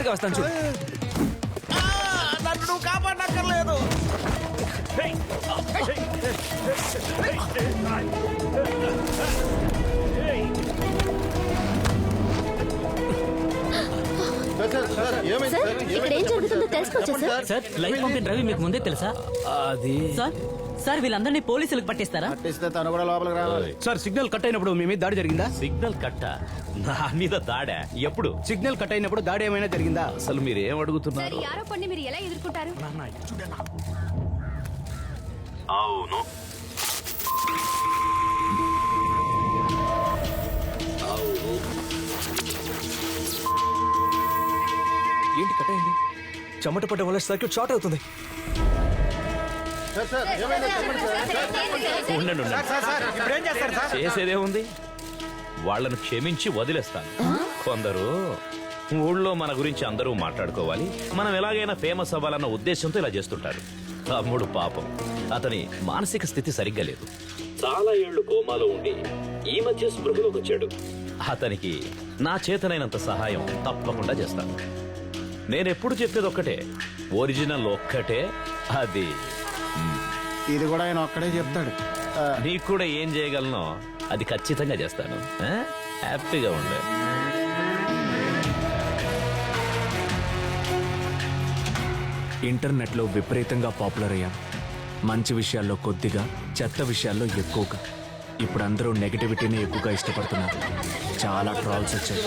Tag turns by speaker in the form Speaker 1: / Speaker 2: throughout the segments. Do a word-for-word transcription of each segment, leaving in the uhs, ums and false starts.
Speaker 1: జాగ్రత్తగా వస్తాను చూడు.
Speaker 2: నన్ను నువ్వు కాపాడక్కర్లేదు.
Speaker 3: ఇక్కడ ఏం జరుగుతుందో తెలుసుకోవచ్చా సార్?
Speaker 4: సార్ లైఫ్ పంపిన రవి మీకు ముందే తెలుసా?
Speaker 1: అది
Speaker 4: సార్ సార్ వీళ్ళందరినీ పోలీసులకు పట్టిస్తారా?
Speaker 2: పట్టిస్తే తను కూడా లోపలికి రావాలి.
Speaker 1: సార్ సిగ్నల్ కట్ అయినప్పుడు మీ మీద దాడి జరిగిందా?
Speaker 5: సిగ్నల్ కట్ట నా మీద దాడా? ఎప్పుడు?
Speaker 1: సిగ్నల్ కట్ అయినప్పుడు దాడి ఏమైనా జరిగిందా?
Speaker 5: అసలు మీరు ఏం
Speaker 3: సార్
Speaker 5: అడుగుతున్నారు?
Speaker 3: ఈ ఆరోపణని మీరు ఎలా ఎదుర్కొంటారు?
Speaker 5: అవును,
Speaker 1: ఏంటి కట్ అయింది? చెమట పడ్డం వల్ల సర్క్యూట్ షార్ట్ అవుతుంది.
Speaker 5: ఉండండి ఉండండి. చేసేదేముంది, వాళ్ళను క్షమించి వదిలేస్తాను. కొందరు ఊళ్ళో మన గురించి అందరూ మాట్లాడుకోవాలి, మనం ఎలాగైనా ఫేమస్ అవ్వాలన్న ఉద్దేశంతో ఇలా చేస్తుంటారు. తమ్ముడు పాపం, అతని మానసిక స్థితి సరిగ్గా లేదు. చాలా ఏళ్లు కోమాలో ఉండి ఈ మధ్య స్పృహలోకి వచ్చాడు. అతనికి నా చేతనైనంత సహాయం తప్పకుండా చేస్తాను. నేనెప్పుడు చెప్పేది ఒక్కటే, ఒరిజినల్ ఒక్కటే, అది
Speaker 2: ఇది కూడా ఆయన ఒక్కడే చెప్తాడు.
Speaker 5: నీకు కూడా ఏం చేయగలనో అది ఖచ్చితంగా చేస్తాను. ఆ? హ్యాపీగా ఉండే.
Speaker 1: ఇంటర్నెట్లో విపరీతంగా పాపులర్ అయ్యాం. మంచి విషయాల్లో కొద్దిగా, చెత్త విషయాల్లో ఎక్కువగా. ఇప్పుడు అందరూ నెగటివిటీని ఎక్కువగా ఇష్టపడుతున్నారు. చాలా ట్రాల్స్ వచ్చాయి.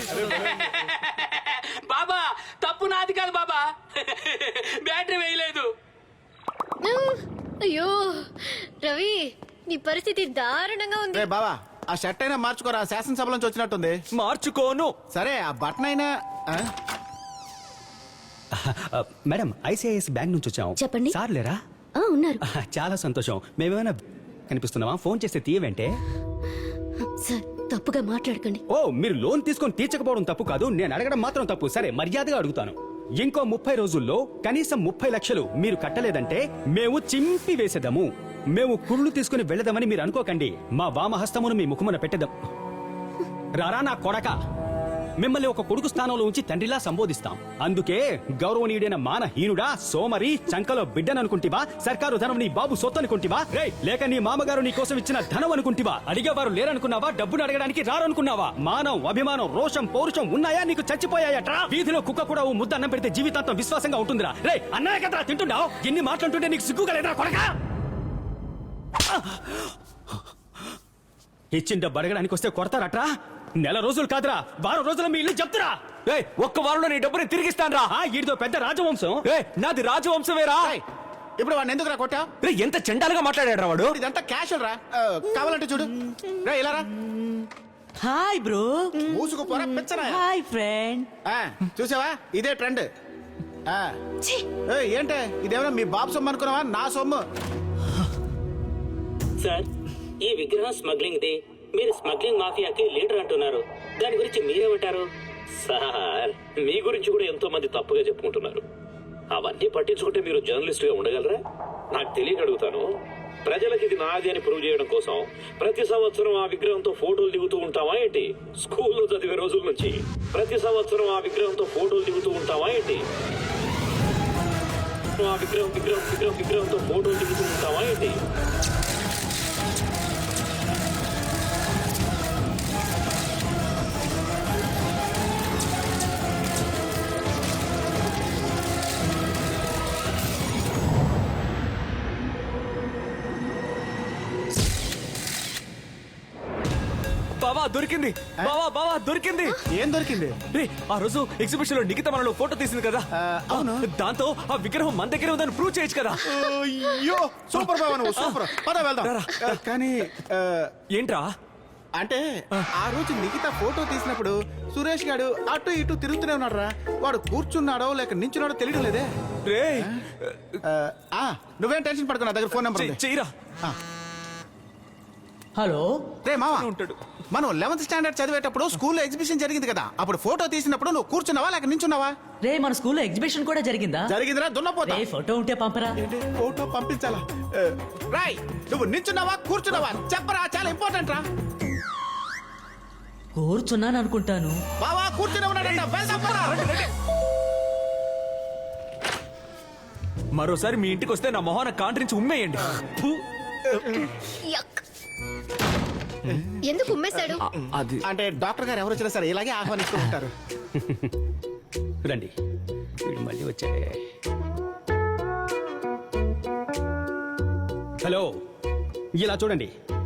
Speaker 4: బాబా తప్పు నాది కాదు బాబా, బ్యాటరీ వేయలేదు.
Speaker 3: అయ్యో రవి, నీ పరిస్థితి దారుణంగా ఉంది.
Speaker 2: రే బావా, ఆ షర్ట్ అయినా మార్చుకోరా, శాసనసభ నుంచి వచ్చినట్టుంది.
Speaker 1: మార్చుకోను.
Speaker 2: సరే ఆ బటన్ అయినా. ఆ?
Speaker 6: మేడం, ఐసిఐఎస్ బ్యాంక్ నుంచి వచ్చాం.
Speaker 3: చెప్పండి.
Speaker 6: సార్ లేరా?
Speaker 3: ఆ, ఉన్నారు.
Speaker 6: చాలా సంతోషం. మేమేమైనా కనిపిస్తున్నావా? ఫోన్ చేస్తే తీయవంటే.
Speaker 3: సార్ తప్పుగా మాట్లాడకండి.
Speaker 6: ఓ, మీరు లోన్ తీసుకొని తీర్చకపోవడం తప్పు కాదు, నేను అడగడం మాత్రం తప్పు. సరే, మర్యాదగా అడుగుతాను. ఇంకో ముప్పై రోజుల్లో కనీసం ముప్పై లక్షలు మీరు కట్టలేదంటే మేము చింపి వేసేదాము. మేము కుళ్ళు తీసుకుని వెళ్దామని మీరు అనుకోకండి. మా వామహస్తమును మీ ముఖమున పెట్టేద్దాం. రారా నా కొడక, మిమ్మల్ని ఒక కొడుకు స్థానంలో ఉంచి తండ్రిలా సంబోధిస్తాం. అందుకే గౌరవనీయుడైన మానహీనుడా, సోమరి, చంకలో బిడ్డననుకుంటివా? సర్కారు ధనం నీ బాబు సొత్తు అనుకుంటివా? రే, లేక నీ మామగారు నీ కోసం ఇచ్చిన ధనం అనుకుంటివా? అడిగేవారు లేరనుకున్నావా? డబ్బును అడగడానికి రారనుకున్నావా? మానం, అభిమానం, రోషం, పౌరుషం ఉన్నాయా నీకు? చచ్చిపోయాయట్రా? వీధిలో కుక్క కూడా ఓ ముద్ద అన్నం పెడితే జీవితాంతం విశ్వాసంగా ఉంటుందిరా. రే, అన్నయ్య కదరా తింటున్నావు? ఎన్ని మాట్లాడుతుంటే నీకు సిగ్గుగా లేదురా కొడకా? ఇచ్చిన డబ్బు అడగడానికి వస్తే కొడతారట్రా? నెల రోజులు కాదురా, వారం రోజులు మీ ఇల్లు చెప్తురా.
Speaker 1: ఒక్క వారంలో నీ డబ్బుని తిరిగిస్తాను రా.
Speaker 6: ఈడితో పెద్ద రాజవంశం.
Speaker 1: నాది రాజవంశమేరా.
Speaker 2: ఇప్పుడు వాడిని ఎందుకు రా కొట్టా?
Speaker 1: ఎంత చండాలుగా మాట్లాడాడు వాడు.
Speaker 2: ఇదంతా క్యాష్ రా. కావాలంటే చూడు. రా ఇలా రా.
Speaker 4: Hi bro.
Speaker 2: మూసుకుపోరా పిచ్చరా.
Speaker 4: Hi friend.
Speaker 2: చూసావా, ఇదే ట్రెండ్. ఏంటే ఇదేమన్నా మీ బాబు సొమ్ము అనుకున్నావా? నా సొమ్ము.
Speaker 7: సార్, ఈ విగ్రహం స్మగ్లింగ్ ది. మీరు స్మగ్లింగ్ మాఫియాకి లీడర్ అంటున్నారు, దాని గురించి మీరేమంటారు? సార్, మీ గురించి కూడా ఎంతో మంది తప్పుగా చెప్పుకుంటున్నారు. అవన్నీ పట్టించుకుంటే మీరు జర్నలిస్ట్ గా ఉండగలరా? నాకు తెలియక అడుగుతాను. ప్రజలకు ఇది నాది అని ప్రూవ్ చేయడం కోసం ప్రతి సంవత్సరం ఆ విగ్రహంతో ఫోటోలు దిగుతూ ఉంటావా ఏంటి? స్కూల్లో చదివే రోజుల నుంచి ప్రతి సంవత్సరం ఆ విగ్రహంతో ఫోటోలు దిగుతూ ఉంటావా ఏంటి? ఆ విగ్రహం విగ్రహం విగ్రహం విగ్రహంతో ఫోటోలు దిగుతూ ఉంటావా ఏంటి?
Speaker 1: బావా దొరికింది. బావా బావా దొరికింది.
Speaker 2: ఏం దొరికింది?
Speaker 1: ఆ రోజు ఎగ్జిబిషన్ లో నిఖిత మనలో ఫోటో తీసింది కదా,
Speaker 2: అవును.
Speaker 1: దాంతో ఆ విగ్రహం మన దగ్గర ఉందని ప్రూవ్ చేయొచ్చు కదా.
Speaker 2: అయ్యో సూపర్ బావా, నువ్వు సూపర్. పద వెళ్దాం. కానీ
Speaker 1: ఏంట్రా
Speaker 2: అంటే ఆ రోజు నిఖిత ఫోటో తీసినప్పుడు సురేష్ గాడు అటు ఇటు తిరుగుతూనే ఉన్నాడు రా. వాడు కూర్చున్నాడో లేక నించున్నాడో తెలియడం లేదే.
Speaker 1: రే,
Speaker 2: నువ్వేం టెన్షన్ పడుకో, నా దగ్గర ఫోన్ నెంబర్ ఉంది.
Speaker 1: చెయ్యరా.
Speaker 4: హలో
Speaker 2: రే మావా,
Speaker 1: ఉంటాడు.
Speaker 2: మనం లెవెన్త్ స్టాండర్డ్ చదివేటప్పుడు స్కూల్లో ఎగ్జిబిషన్ జరిగింది కదా, అప్పుడు ఫోటో తీసినప్పుడు నువ్వు కూర్చున్నావా లేక నించున్నావా?
Speaker 4: రే, మన స్కూల్లో ఎగ్జిబిషన్ కూడా జరిగిందా?
Speaker 2: జరిగిందిరా, దున్నపోతా.
Speaker 4: రే, ఫోటో ఉంటే పంపరా.
Speaker 2: ఫోటో పంపించాలా? రాయ్, నువ్వు నించున్నావా కూర్చున్నావా చెప్పరా, చాలా ఇంపార్టెంట్ రా.
Speaker 4: కూర్చున్నాను అనుకుంటాను.
Speaker 2: బావా కూర్చుని ఉన్నాడంట, వెళ్దాం పద.
Speaker 1: మరోసారి మీ ఇంటికి వస్తే నా మొహాన కాంట్రించి ఉమ్మేయండి.
Speaker 3: యక్. ఎందుకు ఉమ్మేశాడు?
Speaker 1: ఆ, అది
Speaker 2: అంటే డాక్టర్ గారు ఎవరు వచ్చినా సరే ఇలాగే ఆహ్వానిస్తూ ఉంటారు.
Speaker 6: రండి వీడు మళ్ళీ వచ్చాడే. హలో, ఇలా చూడండి.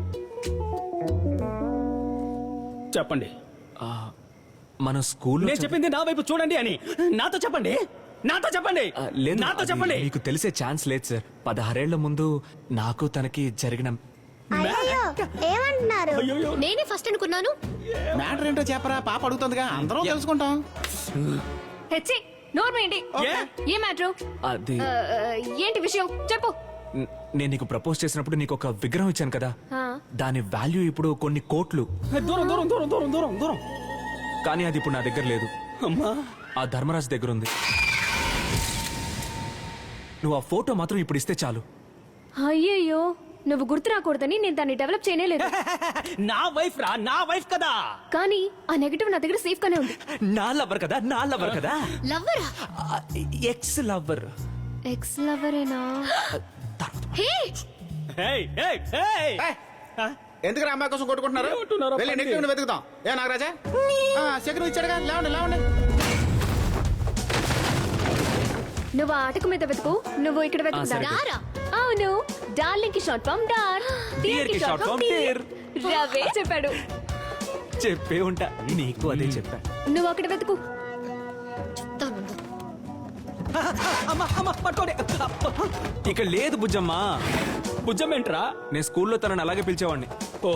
Speaker 6: చెప్పండి.
Speaker 1: ఆ, మన స్కూల్లో
Speaker 6: నేను చెప్పింది నా వైపు చూడండి అని నాతో చెప్పండి. నాతో చెప్పండి.
Speaker 1: ఆ, లేదు,
Speaker 6: నాతో
Speaker 1: అది
Speaker 6: చెప్పండి.
Speaker 1: మీకు తెలిసే ఛాన్స్ లేదు సార్. పదహారేళ్ల ముందు నాకు తనకి జరిగిన
Speaker 8: అయ్యో ఏమంటున్నారు?
Speaker 6: అయ్యయ్యో.
Speaker 3: నేనే ఫస్ట్ అనుకున్నాను.
Speaker 2: మ్యాటర్ ఏంటో చెప్పరా, పాప అడుగుతుందిగా, అందరం తెలుసుకుంటాం.
Speaker 9: హెచ్చి నోర్మేంటి?
Speaker 6: ఏ?
Speaker 9: ఏ మ్యాటర్?
Speaker 1: అది
Speaker 9: ఏంటి విషయం చెప్పు.
Speaker 1: న- నేను నీకు ప్రపోజ్ చేసినప్పుడు నీకు ఒక విగ్రహం ఇచ్చాను కదా,
Speaker 9: ఆ.
Speaker 1: దాని వాల్యూ ఇప్పుడు కొన్ని కోట్లు.
Speaker 6: దూరం దూరం దూరం దూరం దూరం దూరం.
Speaker 1: కానీ అది ఇప్పుడు నా దగ్గర లేదు.
Speaker 6: అమ్మా,
Speaker 1: ఆ ధర్మరాజు దగ్గర ఉంది. నువ్వు ఆ ఫోటో మాత్రం ఇప్పుడు ఇస్తే చాలు.
Speaker 9: అయ్యయ్యో, నువ్వు గుర్తు రాకూడదని నేను దాన్ని డెవలప్ చేయలేదు.
Speaker 6: నా వైఫ్ రా, నా వైఫ్ కదా.
Speaker 9: కానీ ఆ నెగటివ్ నా దగ్గర సేఫ్ గానే ఉంది.
Speaker 1: నా లవర్ కదా, నా లవర్ కదా,
Speaker 3: లవ్వరా?
Speaker 1: Ex lover.
Speaker 9: ఎక్స్ లవరేనా?
Speaker 3: హే,
Speaker 6: హేయ్, హేయ్, హేయ్.
Speaker 2: ఏయ్, ఎందుకు అమ్మాయి కోసం కొట్టుకుంటున్నారు?
Speaker 6: ఏమంటున్నారో
Speaker 2: వెళ్ళి
Speaker 6: పండి.
Speaker 2: నెక్స్ట్ వెతుకుతాం. ఏ నాగరాజా, శకును ఇచ్చాడుగా, లేవండి లేవండి.
Speaker 9: నువ్వు ఆ ఆటకు మీద వెతుకు, నువ్వు ఇక్కడ వెతుకు.
Speaker 1: సరే.
Speaker 9: దారా? అవును, డార్లింగ్ కి షార్ట్ ఫామ్ డార్, డియర్ కి షార్ట్ ఫామ్ డియర్. రవే చెప్పాడు.
Speaker 1: చెప్పే ఉంటా, నీకు అదే చెప్పా.
Speaker 9: నువ్వు అక్కడ వెతుకు.
Speaker 3: చెప్తానుండు.
Speaker 6: అమ్మా, అమ్మా, పట్టుకోండి.
Speaker 1: ఇక్కడ లేదు బుజ్జమ్మా.
Speaker 6: భుజం ఏంట్రా?
Speaker 1: నేను స్కూల్లో తనని అలాగే పిలిచేవాడిని.
Speaker 6: ఓ,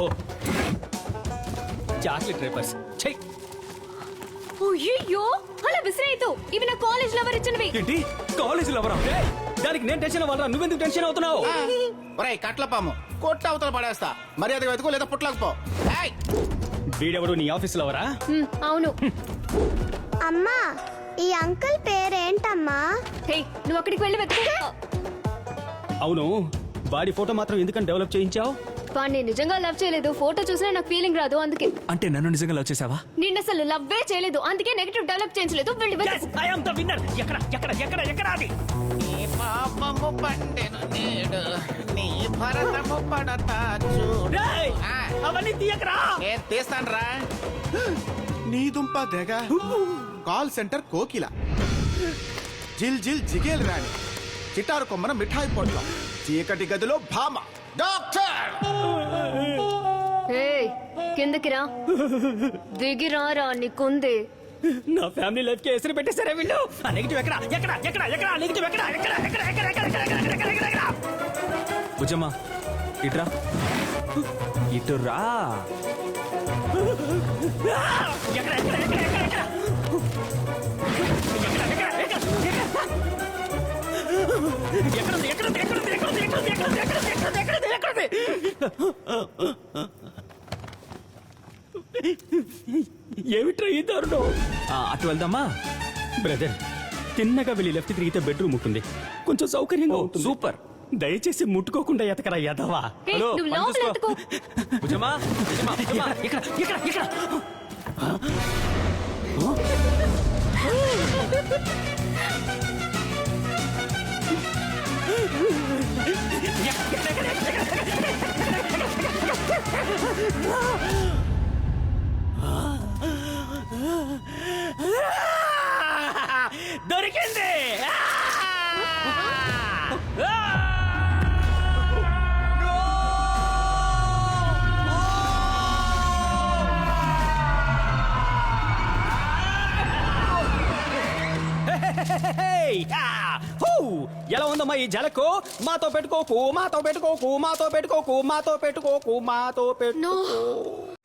Speaker 6: చాక్లెట్ రేపర్స్. చెయ్.
Speaker 9: అయ్యో, అలా విసిరేయద్దు. ఇవి నా కాలేజ్ లవర్ ఇచ్చినవి.
Speaker 1: ఏంటి కాలేజీలో ఎవరా?
Speaker 6: ఏయ్, దానికి నేను టెన్షన్ అవ్వాలరా, నువ్వెందుకు టెన్షన్ అవుతున్నావు?
Speaker 2: ఒరేయ్ కట్ల పాము, కొట్ట అవతల పడేస్తా. మర్యాద వెతుకు లేదా పుట్లకపో. ఏయ్,
Speaker 6: వీడెవడు నీ ఆఫీసులో ఎవరా?
Speaker 9: హ్మ్, అవును.
Speaker 8: అమ్మా ఈ అంకుల్ పేరేంటమ్మా?
Speaker 9: హే, నువ్వు అక్కడికి వెళ్ళి వెతుకు.
Speaker 6: అవును, వాడి ఫోటో మాత్రం ఎందుకని డెవలప్ చేయించావు?
Speaker 9: వాడిని నిజంగా లవ్ చేయలేదు. ఫోటో చూసినా నాకు ఫీలింగ్ రాదు, అందుకే.
Speaker 1: అంటే నన్ను నిజంగా లవ్ చేసావా?
Speaker 9: నిన్న అసలు లవ్వే చేయలేదు, అందుకే నెగటివ్ డెవలప్ చేయించలేదు. వెళ్ళి
Speaker 6: Yes,
Speaker 9: వెతుకు.
Speaker 6: I am the winner. ఎక్కడ ఎక్కడ ఎక్కడ ఎక్కడ అది?
Speaker 2: నీ పాపము పండెను నేడు, నీ భరతము పడతా చూడు.
Speaker 6: రేయ్,
Speaker 2: ఆ,
Speaker 6: అవన్నీ తీయకరా.
Speaker 2: నేను తీస్తానురా. నీ దుంప తెగ కాల్ సెంటర్ కోకిల, జిల్ జిల్ జిగేల్ రాణి, చిటారు కొమ్మన మిఠాయి పొట్ల, చీకటి గదిలో భామ డాక్టర్.
Speaker 9: హే, కిందకి రా. దిగి రారా, నీకుంది.
Speaker 6: నా ఫ్యామిలీ లైఫ్ కి ఎసరు పెట్టేశారే వీళ్ళు. ఆ నెగటివ్ ఎక్కడ ఎక్కడ ఎక్కడ ఎక్కడ నెగటివ్ ఎక్కడ ఎక్కడ ఎక్కడ ఎక్కడ ఎక్కడ ఎక్కడ ఎక్కడ ఎక్కడ ఎక్కడ ఎక్కడ?
Speaker 1: బుజ్జమ్మా ఇట్రా, ఇటు రా.
Speaker 6: ఆ! ఎక్కడ ఎక్కడ ఎక్కడ ఎక్కడ ఎక్కడ? ఎక్కడ ఎక్కడ ఎక్కడ ఎక్కడ? ఎక్కడుంది ఎక్కడుంది ఎక్కడుంది ఎక్కడుంది ఎక్కడుంది ఎక్కడుంది ఎక్కడుంది ఎక్కడుంది ఎక్కడుంది ఎక్కడుంది? ఏమిట్రా ఈ దారుణం?
Speaker 1: ఆ, అటు వెళ్దామా?
Speaker 6: బ్రదర్, తిన్నగా వెళ్ళి లెఫ్ట్ తిరిగితే బెడ్రూమ్ ఉంటుంది, కొంచెం సౌకర్యంగా
Speaker 1: ఓ,
Speaker 6: ఉంటుంది.
Speaker 1: సూపర్.
Speaker 6: దయచేసి ముట్టుకోకుండా ఎతకరా యదవా.
Speaker 9: హే,
Speaker 1: హలో,
Speaker 9: నువ్వు
Speaker 1: పని
Speaker 9: లోపల
Speaker 1: చూసుకో.
Speaker 9: వెతుకు.
Speaker 1: బుజ్జమ్మా, బుజ్జమ్మా, బుజ్జమ్మా.
Speaker 6: ఇక్కడ ఇక్కడ ఇక్కడ దొరికింది. ఎలా ఉందమ్మా ఈ జలకు? మాతో పెట్టుకోకు, మాతో పెట్టుకోకు, మాతో పెట్టుకోకు, మాతో పెట్టుకోకు, మాతో పెట్టుకో.